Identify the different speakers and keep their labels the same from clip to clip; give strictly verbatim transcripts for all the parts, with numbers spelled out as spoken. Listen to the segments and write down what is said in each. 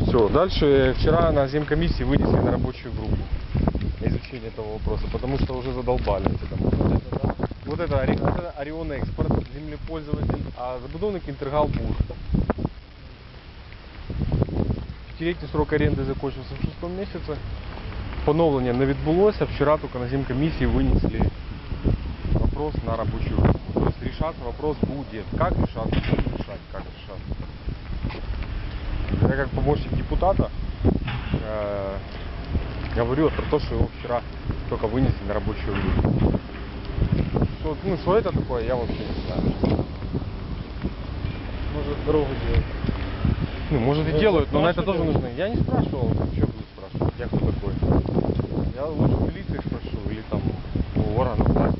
Speaker 1: Все, дальше вчера на земкомиссии вынесли на рабочую группу изучение этого вопроса, потому что уже задолбали эти дома. Вот это, это Орион Экспорт, землепользователь, а забудовник Інтергал Бур. Пятилетний срок аренды закончился в шестом месяце. Поновлення не відбулося, вчера только на земкомиссии вынесли вопрос на рабочую группу. То есть решаться вопрос будет. Как решаться, будем решать, как решаться. Я как помощник депутата э, говорю про то, что его вчера только вынесли на рабочую группу. Что, ну, что это такое, я вообще не знаю.
Speaker 2: Может, дорогу делать.
Speaker 1: Ну, может и делают, но на это тоже нужно. Я не спрашивал, что буду спрашивать, я кто такой. Я лучше в милиции спрошу, или там у органов власти.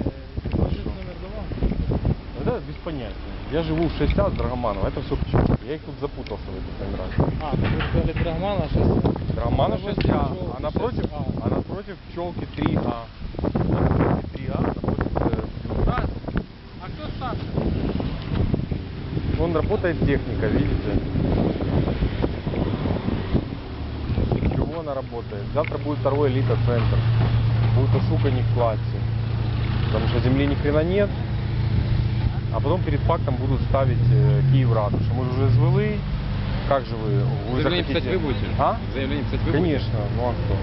Speaker 1: Да, без понятия. Я живу в шесть А с Драгоманова, это все пчелки. Я их тут запутался в этих номерах.
Speaker 2: А, ну вы сказали Драгомана шесть А.
Speaker 1: Драгомана шесть А, а напротив, а напротив пчелки три А. Напротив три А, напротив...
Speaker 2: Да. А кто старше?
Speaker 1: Вон работает техника, видите? Чего она работает? Завтра будет второй элита-центр. Будет ошуканник в классе. Потому что земли ни хрена нет. А потом перед фактом будут ставить э, Київратушу. Мы же уже звели. Как же вы? Вы
Speaker 3: Заявление
Speaker 1: захотите...
Speaker 3: писать вы будете?
Speaker 1: А?
Speaker 3: Заявление писать вы
Speaker 1: Конечно,
Speaker 3: будете?
Speaker 1: ну а кто?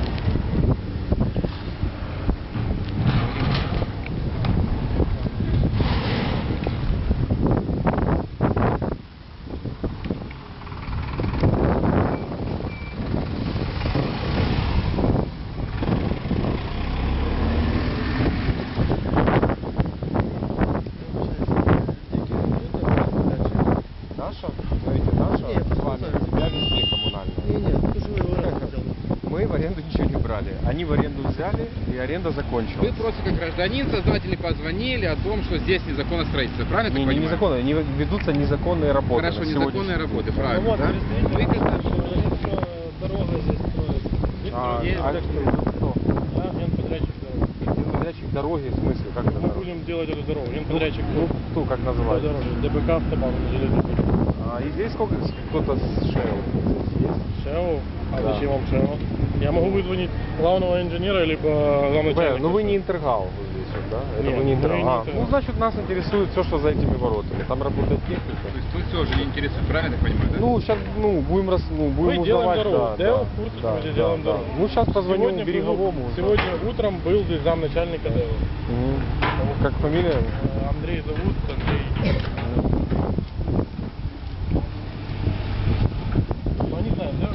Speaker 1: Наша? Смотрите, наша
Speaker 2: Нет,
Speaker 1: с вами земля везде коммунальная.
Speaker 2: Не, нет, ты же его взял.
Speaker 1: Мы в аренду ничего не брали. Они в аренду взяли, и аренда закончилась.
Speaker 3: Вы просто как гражданин, создатели позвонили о том, что здесь незаконное строительство, правильно
Speaker 1: Не,
Speaker 3: я так
Speaker 1: не
Speaker 3: понимаю?
Speaker 1: незаконно, не ведутся незаконные работы.
Speaker 3: Хорошо,
Speaker 1: на
Speaker 3: незаконные
Speaker 1: сегодняшний
Speaker 3: работы,
Speaker 1: день.
Speaker 3: правильно,
Speaker 2: Ну вот,
Speaker 3: да?
Speaker 2: представитель
Speaker 3: Вы как-
Speaker 2: говорит, что дорога здесь строится.
Speaker 1: А,
Speaker 2: Есть
Speaker 1: а
Speaker 2: так,
Speaker 1: кто?
Speaker 2: да, генподрядчик дороги.
Speaker 1: Подрядчик дороги, в смысле, как это?
Speaker 2: Мы будем делать эту дорогу. Генподрядчик
Speaker 1: Ну, кто, как называется?
Speaker 2: дороги. ДБК автобан, железный путь.
Speaker 1: А, и здесь сколько, кто-то с Шейл есть?
Speaker 2: ШЭО? А
Speaker 1: Да.
Speaker 2: зачем вам ШЭО? Я могу вызвонить главного инженера, либо главного
Speaker 1: Б,
Speaker 2: начальника.
Speaker 1: ну вы не Интергал вот здесь вот, да? Это
Speaker 2: Нет,
Speaker 1: вы не
Speaker 2: мы
Speaker 1: Интергал.
Speaker 2: не
Speaker 1: А,
Speaker 2: Интергал.
Speaker 1: ну, значит, нас интересует все, что за этими воротами. Там работает техника.
Speaker 3: То есть вы все же не интересует, правильно я так понимаю, да?
Speaker 1: Ну, сейчас, ну, будем, рас, ну, будем
Speaker 2: Мы делаем
Speaker 1: узнавать,
Speaker 2: дорогу.
Speaker 1: да,
Speaker 2: Дэо
Speaker 1: да,
Speaker 2: в курсе,
Speaker 1: да,
Speaker 2: что мы
Speaker 1: да,
Speaker 2: делаем
Speaker 1: да.
Speaker 2: дорогу.
Speaker 1: Ну, сейчас позвоню
Speaker 2: Сегодня был-
Speaker 1: Береговому.
Speaker 2: Сегодня утром был здесь замначальника ДЭО.
Speaker 1: Мгм. Как фамилия?
Speaker 2: Э, Андрей зовут, Андрей. Ну, не знаю, да?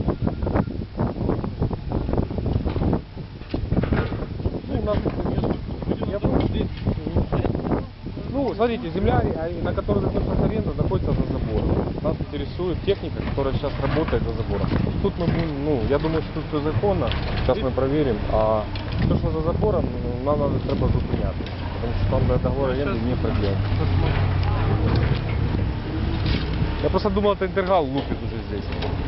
Speaker 1: Ну, у нас, я помню, здесь, ну, смотрите, земля, а, на которой находится аренда, находится за забором. Нас интересует техника, которая сейчас работает за забором. Тут мы будем, ну, я думаю, что тут все законно. Сейчас мы проверим. А то, что за забором, ну, нам надо треба зупиняти. Потому что там договор аренды не продлен. Я просто думал, это Интергал лупит уже здесь.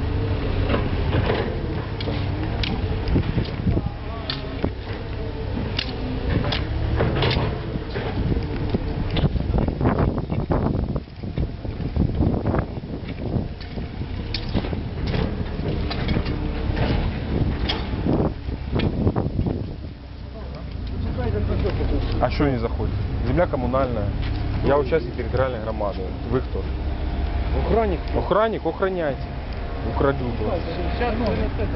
Speaker 1: А что не заходит? Земля коммунальная. Я участник территориальной громады. Вы кто?
Speaker 2: Охранник.
Speaker 1: Охранник, охраняйте. Украдут вас.
Speaker 2: Сейчас, ну,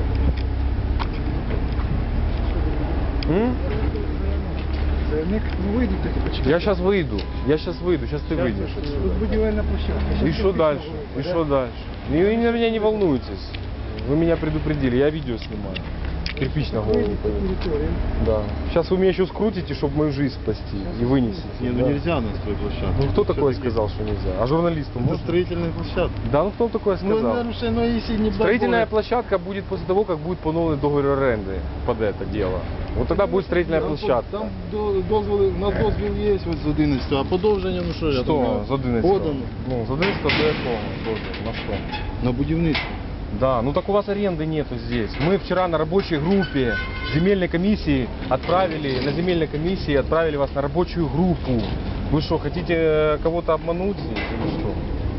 Speaker 1: М?
Speaker 4: Заявник, ну выйдут эти почему?
Speaker 1: Я сейчас выйду. Я сейчас выйду. Сейчас ты выйдешь.
Speaker 4: Тут будівельна площадка.
Speaker 1: И что дальше? И что дальше? И вы на меня не волнуйтесь. Вы меня предупредили. Я видео снимаю. Кирпич на голову.
Speaker 4: Выйдут по территории.
Speaker 1: Да. Сейчас вы меня еще скрутите, чтобы мою жизнь спасти. И вынесете.
Speaker 5: Не, ну
Speaker 1: Да.
Speaker 5: нельзя на свою площадку.
Speaker 1: Ну кто такое
Speaker 5: Всё-таки
Speaker 1: сказал, что нельзя? А журналисту
Speaker 5: Это
Speaker 1: можно?
Speaker 5: строительная площадка.
Speaker 1: Да, ну кто такое
Speaker 4: Ну,
Speaker 1: сказал?
Speaker 4: нарушено, если не
Speaker 1: Строительная
Speaker 4: договор.
Speaker 1: площадка будет после того, как будет поновлен договор аренды под это дело. Вот тогда будет строительная
Speaker 5: Там,
Speaker 1: площадка.
Speaker 5: Там до- дозволи, на дозвіл є ось з одинадцятого, а подовження, ну що, я
Speaker 1: Что
Speaker 5: думаю,
Speaker 1: з одинадцятого?
Speaker 5: подано.
Speaker 1: Ну, з одинадцятого до якого? Дозвіл? На что?
Speaker 5: На будівництво.
Speaker 1: Да, ну так у вас аренды нету здесь. Мы вчера на рабочей группе земельной комиссии отправили, на земельной комиссии отправили вас на рабочую группу. Вы что, хотите кого-то обмануть здесь или что?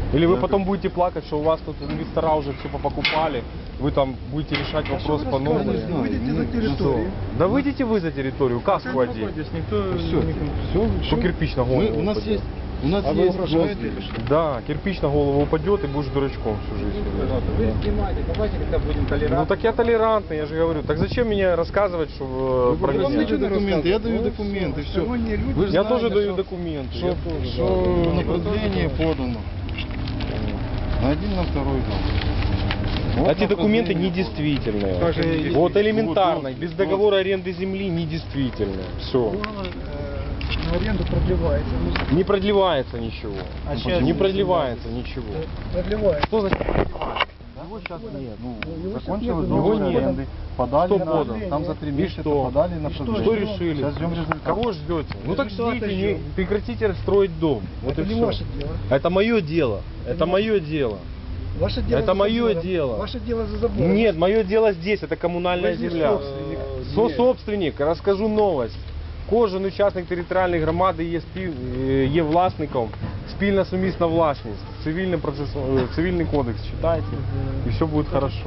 Speaker 1: Или вы
Speaker 5: Я
Speaker 1: потом будете плакать, что у вас тут инвестора уже все покупали, вы там будете решать вопрос по
Speaker 5: рассказываете?
Speaker 1: новому.
Speaker 5: Не знаю.
Speaker 4: Выйдите за
Speaker 5: Ну,
Speaker 4: территорию.
Speaker 1: Да выйдите вы за территорию, каску одень.
Speaker 2: Здесь никто...
Speaker 5: Все, все,
Speaker 1: Что кирпич на голову
Speaker 5: Мы, у нас
Speaker 1: упадет.
Speaker 5: есть, у нас
Speaker 4: А вы
Speaker 5: есть
Speaker 4: угрожаете
Speaker 5: дозвіл.
Speaker 4: или что?
Speaker 1: Да, кирпич на голову упадет и будешь дурачком всю жизнь.
Speaker 3: Вы снимаете, давайте когда будем толерантны.
Speaker 1: Ну так я толерантный, я же говорю. Так зачем мне рассказывать, что э, про
Speaker 5: Вы вам
Speaker 1: меня?
Speaker 5: даете документы, я даю
Speaker 4: Ну,
Speaker 5: документы, все.
Speaker 4: сторонние люди.
Speaker 5: Вы же
Speaker 1: Я
Speaker 5: знаете,
Speaker 1: тоже даю
Speaker 5: что-
Speaker 1: документы.
Speaker 5: Что,
Speaker 1: я тоже,
Speaker 5: что
Speaker 1: да.
Speaker 5: направление подано. На один, на второй дом. Вот
Speaker 1: Эти документы
Speaker 5: направление
Speaker 1: недействительные.
Speaker 4: Как же недействительные?
Speaker 1: Вот элементарно,
Speaker 5: Вот,
Speaker 1: без
Speaker 5: вот.
Speaker 1: договора аренды земли недействительные. Все.
Speaker 4: Договор, э, на аренду продлевается. Ну,
Speaker 1: Не продлевается ничего.
Speaker 4: А
Speaker 1: Не
Speaker 4: сейчас-
Speaker 1: продлевается ничего.
Speaker 4: продлевается.
Speaker 1: Что значит продлевается? Его сейчас нет.
Speaker 5: Ну,
Speaker 4: Его
Speaker 5: закончилось
Speaker 4: сейчас нет,
Speaker 5: договор
Speaker 1: его нет.
Speaker 5: аренды, подали
Speaker 1: Что
Speaker 5: на,
Speaker 1: подал?
Speaker 5: там за три
Speaker 1: И
Speaker 5: месяца
Speaker 1: что?
Speaker 5: подали на
Speaker 4: И что?
Speaker 5: продление.
Speaker 1: Что решили?
Speaker 5: Сейчас ждем результат.
Speaker 1: Кого ждете? Ну так
Speaker 4: Результата
Speaker 1: ждите,
Speaker 4: ждем.
Speaker 1: не, прекратите строить дом. Вот
Speaker 4: Это
Speaker 1: и
Speaker 4: не
Speaker 1: все.
Speaker 4: ваше дело.
Speaker 1: Это мое дело. Это
Speaker 4: не
Speaker 1: мое дело.
Speaker 4: Ваше дело
Speaker 1: Это
Speaker 4: за
Speaker 1: мое
Speaker 4: забором.
Speaker 1: дело.
Speaker 4: Ваше дело за забором.
Speaker 1: Нет, мое дело здесь, это коммунальная
Speaker 4: Вы же
Speaker 1: земля.
Speaker 4: собственник.
Speaker 1: Со-собственник, розкажу новость. Кожен учасник територіальної громади є, спів... е, є власником, спільна сумісна власність. Цивільний, процес... е, цивільний кодекс читайте, і все буде хорошо.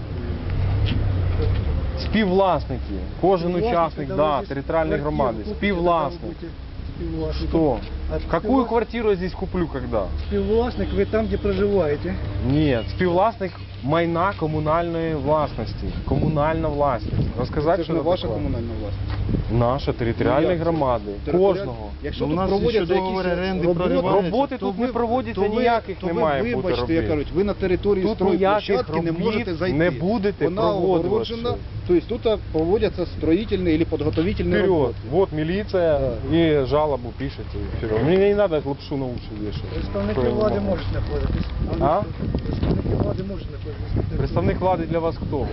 Speaker 1: Співвласники, кожен учасник, да, територіальної громади, співвласник. Что? Какую квартиру я здесь куплю когда?
Speaker 4: Співвласник ви там, де проживаєте.
Speaker 1: Нет, співвласник майна комунальної власності. Комунальна власність. Розказати,
Speaker 6: Це ж
Speaker 1: що
Speaker 6: не
Speaker 1: це
Speaker 6: ваша
Speaker 1: таке?
Speaker 6: комунальна власність.
Speaker 1: Наша територіальної
Speaker 6: Ну, як це?
Speaker 1: громади.
Speaker 6: Територіаль-
Speaker 1: Кожного.
Speaker 6: Якщо
Speaker 5: Ну, у
Speaker 6: тут
Speaker 5: нас
Speaker 6: проводяться
Speaker 5: ще договори
Speaker 6: якісь
Speaker 5: оренди
Speaker 6: роботи,
Speaker 5: прориваються.
Speaker 1: Роботи
Speaker 6: то
Speaker 1: тут
Speaker 6: ви-
Speaker 1: не проводяться
Speaker 6: то ви-
Speaker 1: ніяких,
Speaker 6: то
Speaker 1: не
Speaker 6: ви,
Speaker 1: має бути
Speaker 6: вибачте,
Speaker 1: робіт.
Speaker 6: як кажуть, ви на території
Speaker 1: Тут ніяких
Speaker 6: стройплощадки не
Speaker 1: робіт
Speaker 6: можете зайти.
Speaker 1: не будете
Speaker 6: Вона
Speaker 1: проводити
Speaker 6: огороджена,
Speaker 1: ще.
Speaker 6: тобто тут проводяться строїтельні або підготовительні
Speaker 1: Вперед.
Speaker 6: роботи.
Speaker 1: Вот милиция и жалобу пишете. и вперед. Мне не надо лапшу на уши вешать.
Speaker 4: Представники
Speaker 1: Что я
Speaker 4: влади
Speaker 1: могу?
Speaker 4: можуть знаходитись.
Speaker 1: А?
Speaker 4: Представники влади можуть знаходитись.
Speaker 1: Представник влади для вас кто?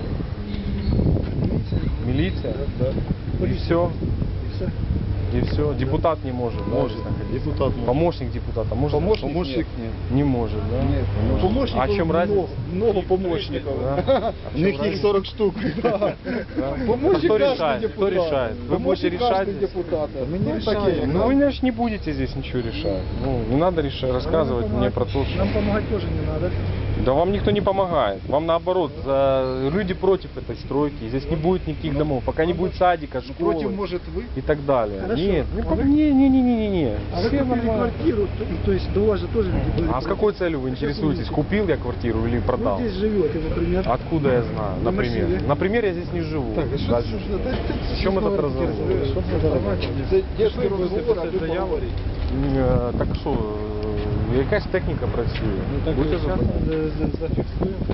Speaker 1: Милиция? И все?
Speaker 4: І все.
Speaker 1: И все. Депутат не может. да,
Speaker 5: Может.
Speaker 1: здесь находиться?
Speaker 5: Депутат может.
Speaker 1: Помощник депутата может?
Speaker 6: Помощник
Speaker 5: Помощник
Speaker 6: нет.
Speaker 5: нет.
Speaker 1: Не может, да?
Speaker 6: Нет,
Speaker 1: Не может.
Speaker 6: помощников
Speaker 1: А в чем
Speaker 6: много,
Speaker 1: разница?
Speaker 6: много помощников.
Speaker 1: Да?
Speaker 5: У них их сорок штук.
Speaker 1: Да?
Speaker 6: Помощник
Speaker 1: Кто
Speaker 6: каждый
Speaker 1: решает? Кто
Speaker 6: депутат.
Speaker 1: решает? Вы будете
Speaker 6: Помощник
Speaker 1: решать
Speaker 6: каждый
Speaker 1: здесь?
Speaker 6: депутат.
Speaker 5: Мы не
Speaker 6: Ну,
Speaker 5: решаем.
Speaker 6: такие,
Speaker 1: Ну
Speaker 6: да.
Speaker 1: вы же не будете здесь ничего решать. Ну, не надо решать, рассказывать мне про то, что...
Speaker 4: Нам допомагати теж не треба.
Speaker 1: Да вам никто не помогает. Вам наоборот, за... люди против этой стройки. Здесь не будет никаких домов. Пока не будет садика, школы
Speaker 6: Против, может, вы?
Speaker 1: и так далее.
Speaker 4: Хорошо.
Speaker 1: Нет, не,
Speaker 4: А
Speaker 1: по-
Speaker 4: вы-
Speaker 1: не, не, не, не, не, не.
Speaker 4: А ви
Speaker 1: Все
Speaker 4: купили
Speaker 1: нормально.
Speaker 4: квартиру, то, то есть до вас же тоже люди были.
Speaker 1: А с какой целью вы интересуетесь? Купил я квартиру или продал?
Speaker 4: Вы здесь живете, например.
Speaker 1: Откуда я знаю?
Speaker 4: На
Speaker 1: Например.
Speaker 4: массиве.
Speaker 1: Например, я здесь не живу.
Speaker 5: Так, а що
Speaker 1: Дальше.
Speaker 5: це ж? Та- та-
Speaker 1: В чем этот разговор?
Speaker 5: Що це за розмова?
Speaker 6: Це дешевий розговор, а ви поговорите.
Speaker 1: Е, Так що, е, якась техніка працює. Будьте запитані.
Speaker 2: зафиксируем.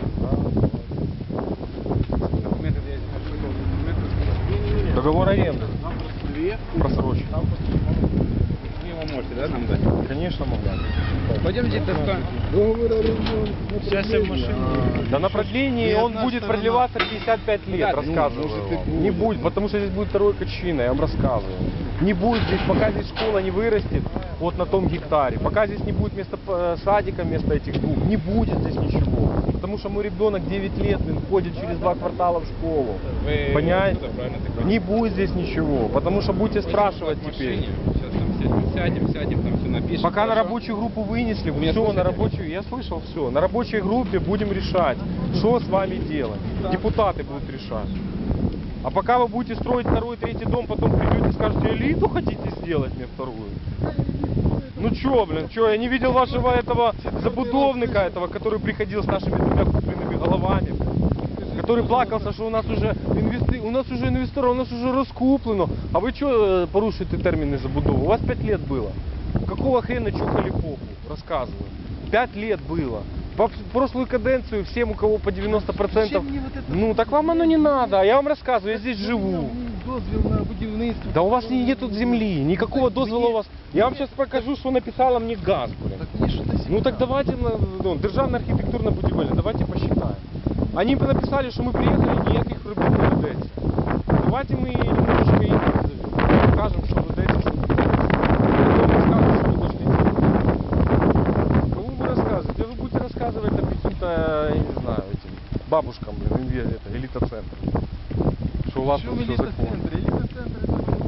Speaker 3: Документы, я нашел документы.
Speaker 1: Договор аренды. Просрочен.
Speaker 3: Вы его можете, да, нам дать?
Speaker 1: Конечно, могу.
Speaker 3: Пойдемте достанем.
Speaker 4: Договор аренду.
Speaker 2: Сейчас я в машине.
Speaker 1: Да на продлении
Speaker 5: Ни
Speaker 1: он
Speaker 5: одна
Speaker 1: будет
Speaker 5: сторона.
Speaker 1: продлеваться пятьдесят пять лет,
Speaker 3: Да, ну,
Speaker 1: рассказываю
Speaker 5: может, и
Speaker 1: вам.
Speaker 5: будет.
Speaker 1: Не будет, потому что здесь будет второй качина, я вам рассказываю. Не будет здесь, пока здесь школа не вырастет, вот на том гектаре, пока здесь не будет вместо э, садика, вместо этих двух, не будет здесь ничего. Потому что мой ребенок девять лет, он ходит через два квартала в школу.
Speaker 3: Вы
Speaker 1: Понимаете?
Speaker 3: откуда, правильно ты
Speaker 1: Не будет здесь ничего, потому что будете спрашивать
Speaker 3: в
Speaker 1: теперь.
Speaker 3: машине. Сейчас там сядем, сядем, сядем, там все напишем.
Speaker 1: Пока на
Speaker 3: хорошо?
Speaker 1: рабочую группу вынесли,
Speaker 3: Вы меня
Speaker 1: все, на
Speaker 3: слышите?
Speaker 1: рабочую, я слышал все, на рабочей группе будем решать, что с вами делать. Депутаты будут решать. А пока вы будете строить второй, третий дом, потом придете и скажете, элиту хотите сделать мне вторую? Ну чё, блин, чё, я не видел вашего этого забудовника этого, который приходил с нашими двумя купленными головами, который плакался, что у нас уже инвести... у нас уже инвестора, у нас уже раскуплено. А вы что порушите термины забудовы? У вас пять лет было. Какого хрена чухали попу? Рассказываю. Пять лет было. По прошлую каденцию всем, у кого по девяносто процентов... Ну, так вам оно не надо, а я вам рассказываю, я здесь живу.
Speaker 5: Дозвіл на будівництво.
Speaker 1: Да у вас не- нет тут земли, никакого дозвола у вас... Я вам сейчас покажу, что написала мне ГАЗ, блин. Ну так давайте, на- ну, державная архитектурно будівельна, давайте посчитаем. Они бы написали, что мы приехали, никаких робіт не ведеться. Давайте мы немножечко их назовем, покажем, что ведеться, что не ведеться. Потом расскажем, что вы должны делать. Кому вы рассказываете? Вы будете рассказывать это каким-то, я не знаю, этим бабушкам, блин, инве- это, элита-центр. Что у вас
Speaker 5: Що
Speaker 1: тут
Speaker 5: в
Speaker 1: все законно.
Speaker 5: елітоцентрі? Елітоцентр це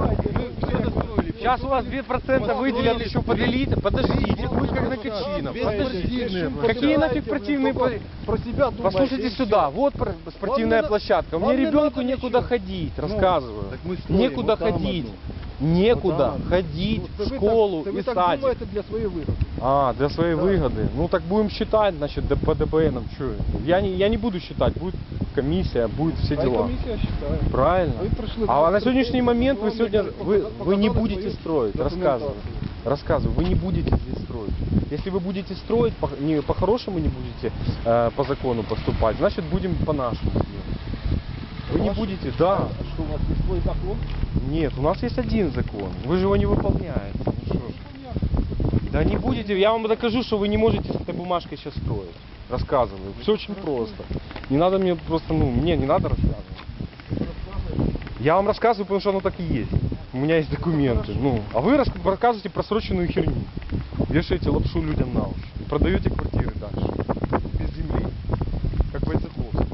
Speaker 1: Сейчас у вас два процента выделят еще под элиту. Подождите, будет как на Качинов. Подождите. Какие нафиг противные... по-
Speaker 6: Про себя думаете.
Speaker 1: Послушайте сюда, вот пр- спортивная
Speaker 6: Вам не
Speaker 1: площадка. У
Speaker 6: вам
Speaker 1: меня
Speaker 6: не
Speaker 1: ребенку
Speaker 6: надо
Speaker 1: некуда
Speaker 6: ничего.
Speaker 1: ходить,
Speaker 6: Ну,
Speaker 1: рассказываю.
Speaker 5: так мы строим
Speaker 1: Некуда
Speaker 5: вот там
Speaker 1: ходить.
Speaker 5: одну.
Speaker 1: Некуда
Speaker 5: Вот там.
Speaker 1: ходить
Speaker 6: Ну,
Speaker 1: в
Speaker 6: це ви
Speaker 1: школу
Speaker 6: так, це
Speaker 1: и
Speaker 6: ви так
Speaker 1: садик.
Speaker 6: думаєте для своєї вигоди.
Speaker 1: А, для своей
Speaker 6: Да.
Speaker 1: выгоды. Ну так будем считать, значит, д- по ДБНам. Что? Я не, я не буду считать, будет комиссия, будет все
Speaker 6: А і
Speaker 1: дела.
Speaker 6: комісія вважає.
Speaker 1: Правильно.
Speaker 6: Ви прийшли
Speaker 1: А
Speaker 6: до
Speaker 1: на сегодняшний момент вы
Speaker 6: вам
Speaker 1: сегодня,
Speaker 6: показали
Speaker 1: вы, вы не
Speaker 6: свою
Speaker 1: будете строить,
Speaker 6: документацию.
Speaker 1: рассказываю. Рассказываю, вы не будете здесь строить. Если вы будете строить, по- не по-хорошему не будете э, по закону поступать, значит будем по-нашему делать. Вы не будете, да.
Speaker 6: А що у вас є свій закон?
Speaker 1: Нет, у нас есть один закон. Вы же его не выполняете. Ну что ж. Да не будете, я вам докажу, что вы не можете с этой бумажкой сейчас строить. Рассказываю. Все очень просто. Не надо мне просто, ну, мне не надо рассказывать. Я вам рассказываю, потому что оно так и есть. У меня есть документы. Ну, а вы рас- рассказываете просроченную херню. Вешаете лапшу людям на уши. И продаете квартиры дальше. Без земли. Как Войцеховский.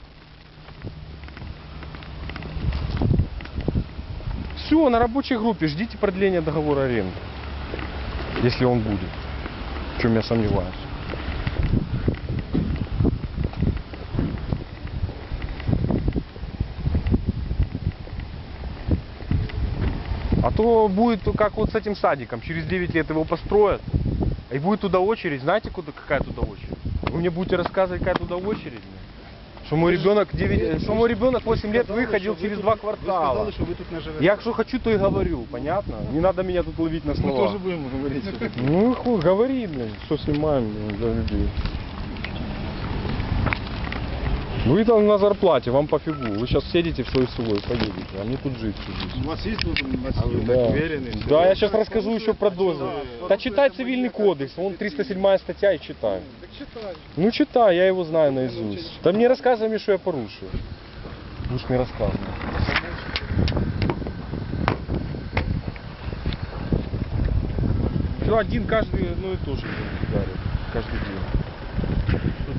Speaker 1: Все, на рабочей группе ждите продления договора аренды. Если он будет. В чем я сомневаюсь. А то будет как вот с этим садиком. Через девять лет его построят. И будет туда очередь. Знаете, куда, какая туда очередь? Вы мне будете рассказывать, какая туда очередь? Что мой ребенок девять, что мой ребенок восемь лет выходил через два
Speaker 6: Ви
Speaker 1: квартала.
Speaker 6: сказали, що ви тут не живете.
Speaker 1: Я что хочу, то и говорю, понятно? Не надо меня тут ловить на
Speaker 5: Мы
Speaker 1: слова.
Speaker 5: тоже будем говорить. что такое.
Speaker 1: Ну хуй, говори, блин, что снимаем блин, для людей. Вы там на зарплате, вам пофигу. Вы сейчас сядете в свой свой, поедете, а мне тут жить всю жизнь.
Speaker 5: У вас есть вот
Speaker 1: Да.
Speaker 5: так уверенный? что
Speaker 1: Да,
Speaker 5: вы-
Speaker 1: я сейчас расскажу еще про дозы. Да читай цивильный кодекс, вон триста седьмая статья и читай.
Speaker 6: Так читай.
Speaker 1: Ну читай, я его знаю наизусть. Да мне рассказывай мне, что я порушил. Будешь мне рассказывать. Все, один каждый, ну и тоже ударит. Каждый день.